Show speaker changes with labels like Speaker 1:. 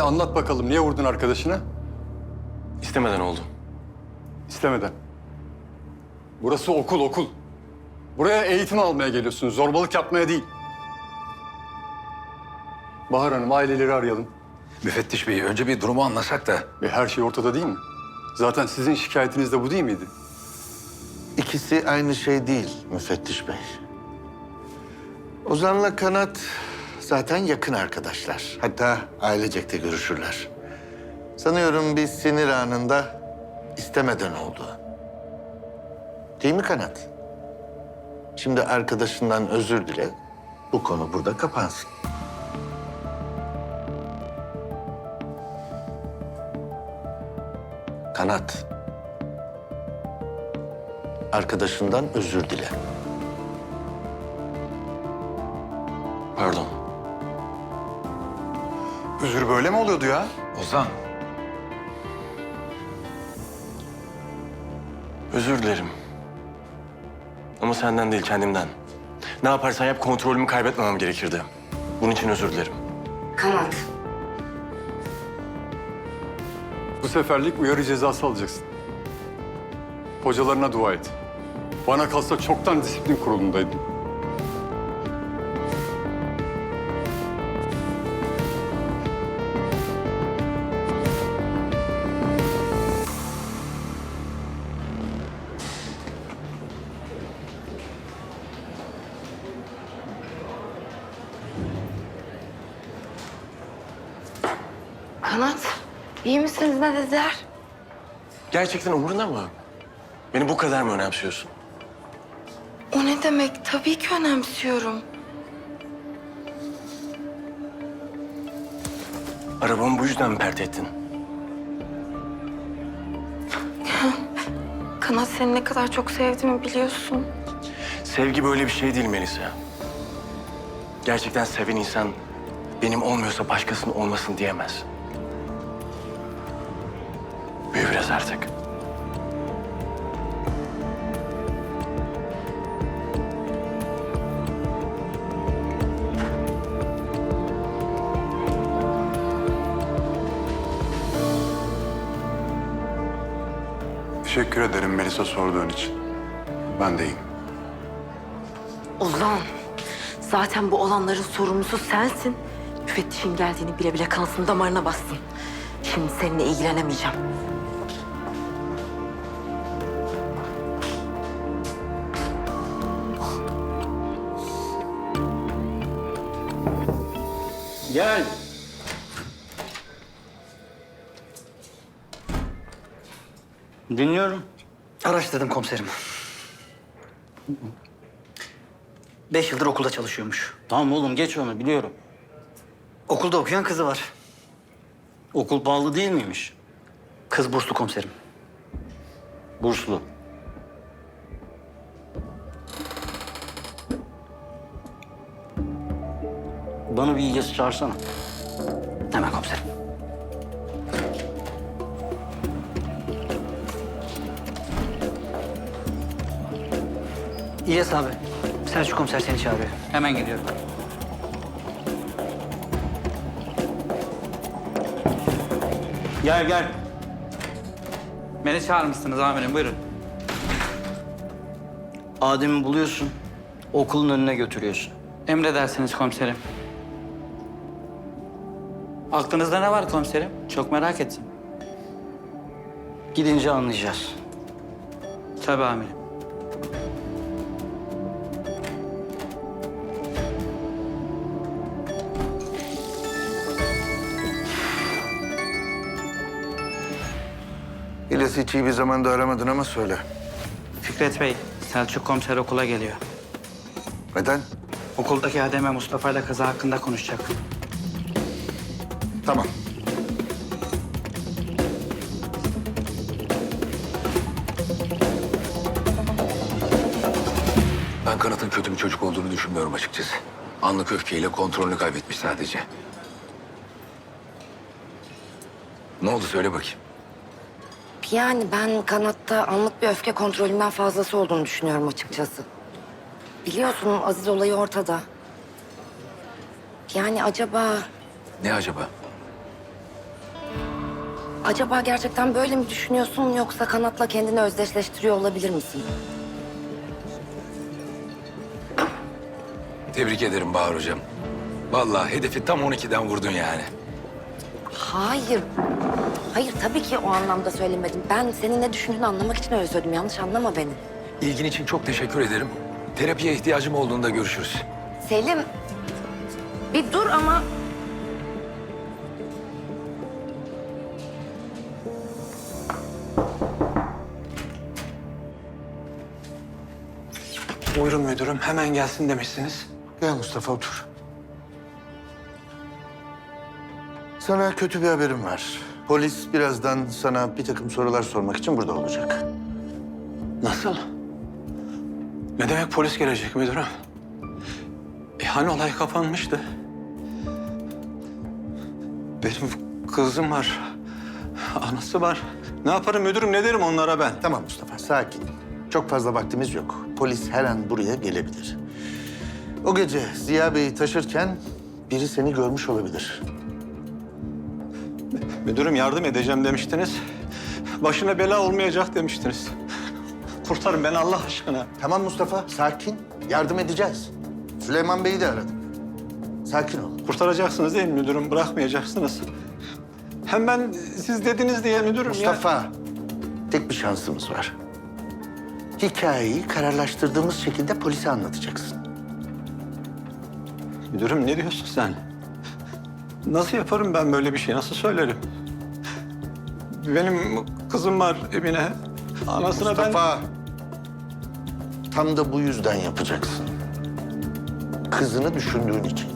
Speaker 1: anlat bakalım. Niye vurdun arkadaşını?
Speaker 2: İstemeden oldu.
Speaker 1: İstemeden. Burası okul, okul. Buraya eğitim almaya geliyorsun. Zorbalık yapmaya değil. Bahar Hanım, aileleri arayalım.
Speaker 3: Müfettiş Bey, önce bir durumu anlasak da.
Speaker 1: Her şey ortada değil mi? Zaten sizin şikayetiniz de bu değil miydi?
Speaker 4: İkisi aynı şey değil müfettiş bey. Ozan'la Kanat zaten yakın arkadaşlar. Hatta ailecek de görüşürler. Sanıyorum bir sinir anında istemeden oldu. Değil mi Kanat? Şimdi arkadaşından özür dile. Bu konu burada kapansın. Kanat. Arkadaşından özür dile.
Speaker 2: Pardon.
Speaker 1: Özür böyle mi oluyordu ya?
Speaker 3: Ozan,
Speaker 2: Özür dilerim. Ama senden değil, kendimden. Ne yaparsan yap, kontrolümü kaybetmemem gerekirdi. Bunun için özür dilerim.
Speaker 5: Kanat.
Speaker 1: Bu seferlik uyarı cezası alacaksın. Hocalarına dua et. Bana kalsa çoktan disiplin kurulundaydım.
Speaker 5: Kanat, iyi misiniz, ne dediler?
Speaker 2: Gerçekten umurunda mı? Beni bu kadar mı önemsiyorsun?
Speaker 5: O ne demek? Tabii ki önemsiyorum.
Speaker 2: Arabamı bu yüzden mi pert ettin?
Speaker 5: Kanat, seni ne kadar çok sevdiğimi biliyorsun.
Speaker 2: Sevgi böyle bir şey değil Melisa. Gerçekten seven insan benim olmuyorsa başkasının olmasın diyemez. Büyü biraz artık.
Speaker 1: Teşekkür ederim Melisa sorduğun için. Ben de iyiyim.
Speaker 5: Ozan, zaten bu olanların sorumlusu sensin. Müfettişin geldiğini bile bile kansın damarına bastın. Şimdi seninle ilgilenemeyeceğim.
Speaker 6: Gel. Dinliyorum.
Speaker 7: Araştırdım komiserim. 5 yıldır okulda çalışıyormuş.
Speaker 6: Tamam oğlum geç onu biliyorum.
Speaker 7: Okulda okuyan kızı var.
Speaker 6: Okul pahalı değil miymiş?
Speaker 7: Kız burslu komiserim.
Speaker 6: Burslu. Bana bir İlyas'ı çağırsana.
Speaker 7: Hemen komiserim. İlyas abi, Selçuk komiser seni çağırıyor.
Speaker 6: Hemen geliyorum. Gel gel.
Speaker 8: Beni çağırmışsınız amirim, buyurun.
Speaker 6: Adem'i buluyorsun. Okulun önüne götürüyorsun.
Speaker 8: Emredersiniz komiserim. Aklınızda ne var komiserim? Çok merak ettim.
Speaker 6: Gidince anlayacağız.
Speaker 8: Tabii amirim.
Speaker 4: İlyas'ı hiç iyi bir zamanda aramadın ama söyle.
Speaker 8: Fikret Bey, Selçuk komiser okula geliyor.
Speaker 4: Neden?
Speaker 8: Okuldaki Adem'e Mustafa ile kızı hakkında konuşacak.
Speaker 4: Tamam.
Speaker 3: ben Kanat'ın kötü bir çocuk olduğunu düşünmüyorum açıkçası. Anlık öfkeyle kontrolünü kaybetmiş sadece. Ne oldu söyle bakayım.
Speaker 5: Yani ben Kanat'ta anlık bir öfke kontrolümden fazlası olduğunu düşünüyorum açıkçası. Biliyorsun Aziz olayı ortada. Yani acaba
Speaker 3: Ne acaba?
Speaker 5: Acaba gerçekten böyle mi düşünüyorsun yoksa Kanat'la kendini özdeşleştiriyor olabilir misin?
Speaker 3: Tebrik ederim Bahar Hocam. Vallahi hedefi tam 12'den vurdun yani.
Speaker 5: Hayır. Hayır tabii ki o anlamda söylemedim. Ben senin ne düşündüğünü anlamak için öyle söyledim. Yanlış anlama beni.
Speaker 3: İlgin için çok teşekkür ederim. Terapiye ihtiyacım olduğunda görüşürüz.
Speaker 5: Selim, bir dur ama...
Speaker 9: Buyurun müdürüm, hemen gelsin demişsiniz.
Speaker 4: Gel Mustafa otur. Sana kötü bir haberim var. Polis birazdan sana bir takım sorular sormak için burada olacak.
Speaker 9: Nasıl? Ne demek polis gelecek müdürüm? Hani olay kapanmıştı? Benim kızım var, anası var. Ne yaparım müdürüm, ne derim onlara ben?
Speaker 4: Tamam Mustafa, sakin. Çok fazla vaktimiz yok. Polis her an buraya gelebilir. O gece Ziya Bey'i taşırken biri seni görmüş olabilir.
Speaker 9: Müdürüm yardım edeceğim demiştiniz. Başına bela olmayacak demiştiniz. Kurtarın beni Allah aşkına.
Speaker 4: Tamam Mustafa, sakin. Yardım edeceğiz. Süleyman Bey'i de aradım. Sakin ol.
Speaker 9: Kurtaracaksınız değil mi müdürüm? Bırakmayacaksınız. Hem ben siz dediniz diye müdürüm
Speaker 4: Mustafa, tek bir şansımız var. Hikayeyi kararlaştırdığımız şekilde polise anlatacaksın.
Speaker 9: Müdürüm ne diyorsun sen? Nasıl yaparım ben böyle bir şey? Nasıl söylerim? Benim kızım var Emine. Anasına
Speaker 4: Mustafa, tam da bu yüzden yapacaksın. Kızını düşündüğün için.